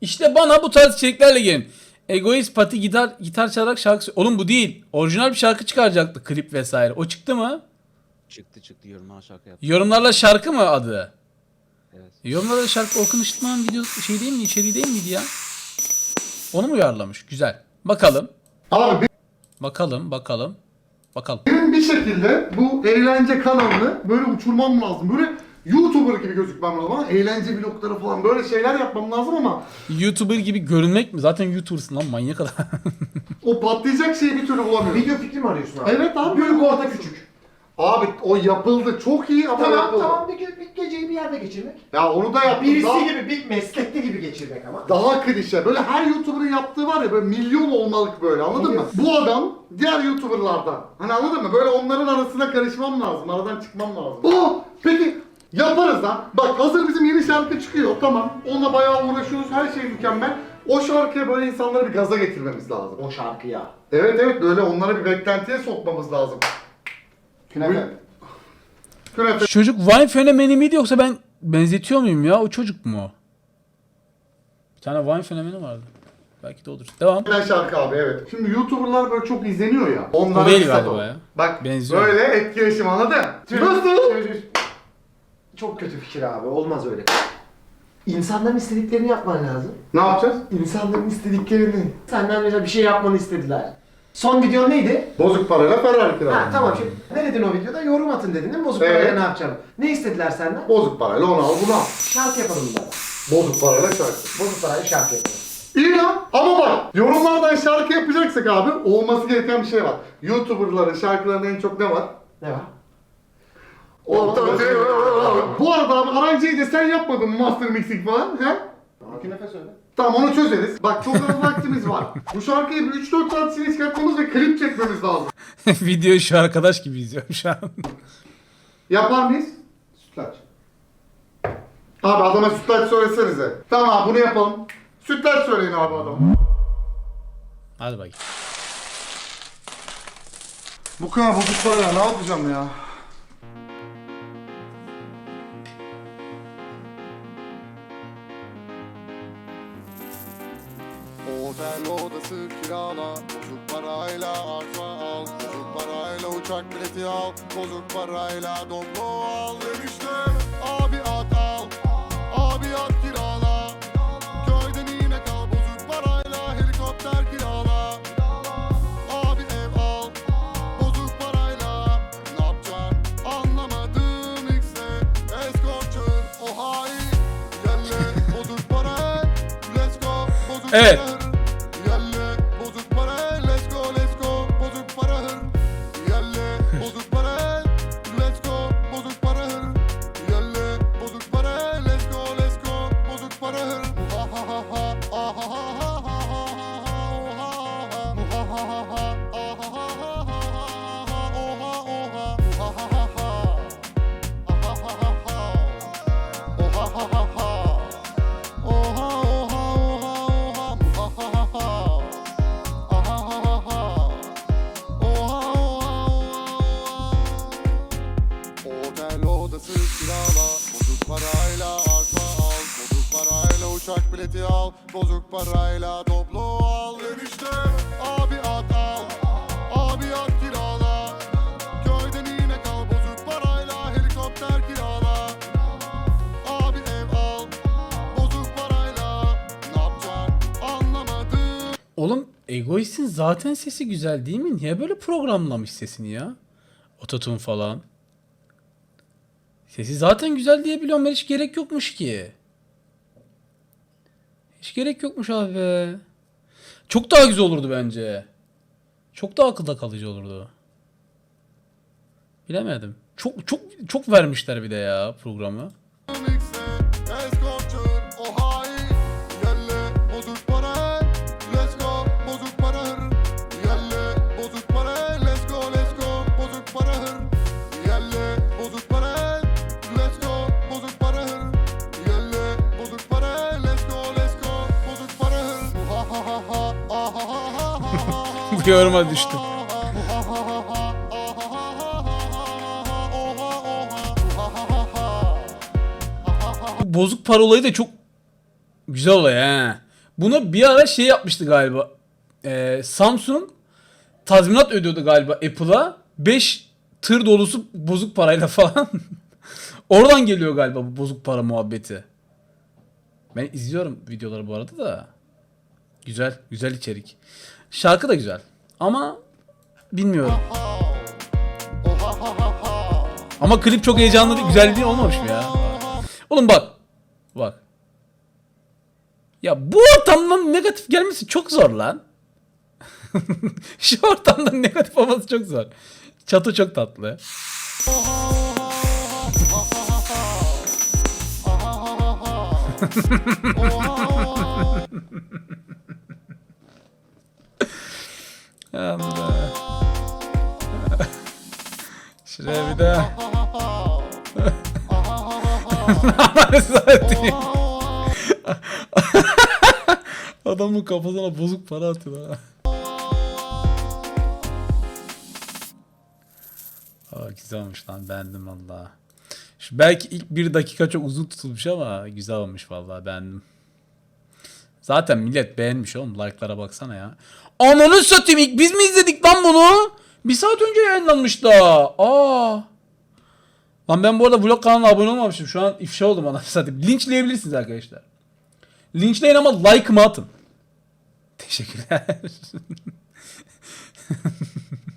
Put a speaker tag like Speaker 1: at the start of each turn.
Speaker 1: İşte bana bu tarz içeriklerle gelin. Egoist Pati gitar çalarak şarkı... Oğlum bu değil. Orijinal bir şarkı çıkaracaktı. Klip vesaire. O çıktı mı?
Speaker 2: Çıktı yorumlar şarkı yaptı.
Speaker 1: Yorumlarla şarkı mı adı?
Speaker 2: Evet.
Speaker 1: Yorumlarla şarkı Orkun Işıtmak'ın video şey değil mi? İçeriği değil miydi ya? Onu mu uyarlamış? Güzel. Bakalım.
Speaker 3: Abi
Speaker 1: Bakalım.
Speaker 3: benim bir şekilde bu eğlence kanalını böyle uçurmam lazım. Böyle YouTuber gibi gözükmem lazım ama eğlence vlogları falan böyle şeyler yapmam lazım ama
Speaker 1: YouTuber gibi görünmek mi? Zaten YouTuber'sın lan manyak adam.
Speaker 3: o patlayacak şeyi bir türlü bulamıyorum.
Speaker 4: Video fikri mi arıyorsun abi?
Speaker 3: Evet abi.
Speaker 4: Büyük orta küçük.
Speaker 3: Abi o yapıldı çok iyi ama
Speaker 4: Tamam
Speaker 3: yapıldı.
Speaker 4: tamam bir geceyi bir yerde geçirmek.
Speaker 3: Ya onu da yaptım.
Speaker 4: Birisi
Speaker 3: daha,
Speaker 4: gibi bir meslekli gibi geçirmek ama.
Speaker 3: daha klişe. Böyle her YouTuber'ın yaptığı var ya böyle milyon olmalık böyle anladın mı? Bu adam diğer YouTuber'lardan. Hani anladın mı? Böyle onların arasına karışmam lazım. Aradan çıkmam lazım. Peki yaparız lan. Bak hazır bizim yeni şarkı çıkıyor. Tamam. Onunla bayağı uğraşıyoruz. Her şey mükemmel. O şarkıya böyle insanları bir gaza getirmemiz lazım.
Speaker 4: O şarkıya.
Speaker 3: Evet böyle onlara bir beklentiye sokmamız lazım. Künefe.
Speaker 1: Çocuk Vine fenomeni miydi yoksa ben benzetiyor muyum ya? O çocuk mu? Bir tane Vine fenomeni vardı. Belki de odur. Devam.
Speaker 3: Ben şarkı abi evet. Şimdi YouTuber'lar böyle çok izleniyor ya. Onlara
Speaker 1: O değil
Speaker 3: bir sat
Speaker 1: galiba
Speaker 3: ol.
Speaker 1: ya.
Speaker 3: Bak
Speaker 1: Benziyor.
Speaker 3: böyle etkileşim anladın? Nasıl?
Speaker 4: Çok kötü fikir abi. Olmaz öyle. İnsanların istediklerini yapman lazım.
Speaker 3: Ne yapacağız?
Speaker 4: İnsanların istediklerini. Senden mesela bir şey yapmanı istediler. Son videon neydi?
Speaker 3: Bozuk parayla Ferrari kiralı.
Speaker 4: Ha tamam şimdi. Ne dedin o videoda? Yorum atın dedin değil mi? Bozuk
Speaker 3: Evet.
Speaker 4: parayla ne yapacağım? Ne istediler senden?
Speaker 3: Bozuk parayla onu al bunu al.
Speaker 4: Şarkı yapalım bunlara.
Speaker 3: Bozuk parayla şarkı.
Speaker 4: Bozuk parayla şarkı yapalım.
Speaker 3: İyi lan ama bak yorumlardan şarkı yapacaksak abi olması gereken bir şey var. YouTuber'ların şarkılarında en çok ne var?
Speaker 4: Ne var?
Speaker 3: Bu arada abi aranjeyi de sen yapmadın mı master mixing falan he?
Speaker 4: İki nefes öyle.
Speaker 3: Tamam onu çözeriz. Bak çok az vaktimiz var. Bu şarkıyı bir 3-4 saat içine çıkartmamız ve klip çekmemiz lazım.
Speaker 1: Videoyu şu arkadaş gibi izliyorum şu an.
Speaker 3: Yapar mıyız? Sütlaç. Abi adama sütlaç söylesenize. Tamam abi bunu yapalım. Sütlaç söyleyin abi adama.
Speaker 1: Hadi bakayım.
Speaker 3: Bu kadar bozuk para ya ne yapacağım ya?
Speaker 5: Otel odası kirala, bozuk parayla arsa al, bozuk parayla uçak bileti al, bozuk parayla domlo al. Dönüşte abi at al, abi at kirala, köyden yine kal, bozuk parayla helikopter kirala. Abi ev al, bozuk parayla, ne yapacaksın anlamadım X'e, escort çağır, o hain, yerle bozuk para, let's go, bozuk
Speaker 1: Evet.
Speaker 5: para. Yerle bozuk para, let's go, bozuk para hır. Yerle bozuk para, let's go, bozuk para hır. Yerle bozuk para, let's go, bozuk para hır. Ha ha ha ha, ah ha ha ha ha ha ha, ha ha ha ha, ah ha ha ha ha, oha oha, ha ha ha ha, ah ha ha ha, oha ha ha ha. Oha oha oha oha ha ha ha ha aha ha ha ha oha oha otel odası kirala bozuk parayla arsa al bozuk parayla uçak bileti al bozuk parayla doblo al dönüşte abi at al abi at kirala köyden yine kal bozuk parayla helikopter kirala abi ev al bozuk parayla ne yapacaksın anlamadım.
Speaker 1: Oğlum Egoist'in zaten sesi güzel değil mi? Niye böyle programlamış sesini ya? Ototune falan. Sesi zaten güzel diye biliyorum ben, hiç gerek yokmuş ki. Hiç gerek yokmuş abi be. Çok daha güzel olurdu bence. Çok daha akılda kalıcı olurdu. Bilemedim. Çok vermişler bir de ya programı.
Speaker 5: Escort çağır, o hain. Yerle bozuk para, let's go, bozuk para hır. Yerle bozuk para, let's go, bozuk para hır. Yerle bozuk para, let's go, bozuk para hır. Yerle bozuk para, let's go, bozuk para hır. Ha ha ha ha, ah ha ha ha ha.
Speaker 1: Bu yoruma düştüm. Bu bozuk para olayı da çok güzel olay ha. Bunu bir ara şey yapmıştı galiba. Samsung tazminat ödüyordu galiba Apple'a. 5 tır dolusu bozuk parayla falan. Oradan geliyor galiba bu bozuk para muhabbeti. Ben izliyorum videoları bu arada da. Güzel, güzel içerik. Şarkı da güzel. Ama bilmiyorum. Ama klip çok heyecanlı değil, güzel değil olmamış mı ya? Oğlum bak. Bak. Ya bu ortamdan negatif gelmesi çok zor lan. Şu ortamdan negatif olması çok zor. Çatı çok tatlı. Allah. Şuraya bir daha. Satayım. Adamın kafasına bozuk para atıyor ha. Aa, güzel olmuş lan, beğendim valla. Şu belki ilk 1 dakika çok uzun tutulmuş ama güzel olmuş valla, beğendim. Zaten millet beğenmiş oğlum, like'lara baksana ya. Ananı satayım, ilk biz mi izledik lan bunu? 1 saat önce yayınlanmış da. Aa. Lan ben bu arada vlog kanalına abone olmamışım. Şu an ifşa oldum anasını satayım. Linçleyebilirsiniz arkadaşlar. Linçleyin ama like'ımı atın. Teşekkürler.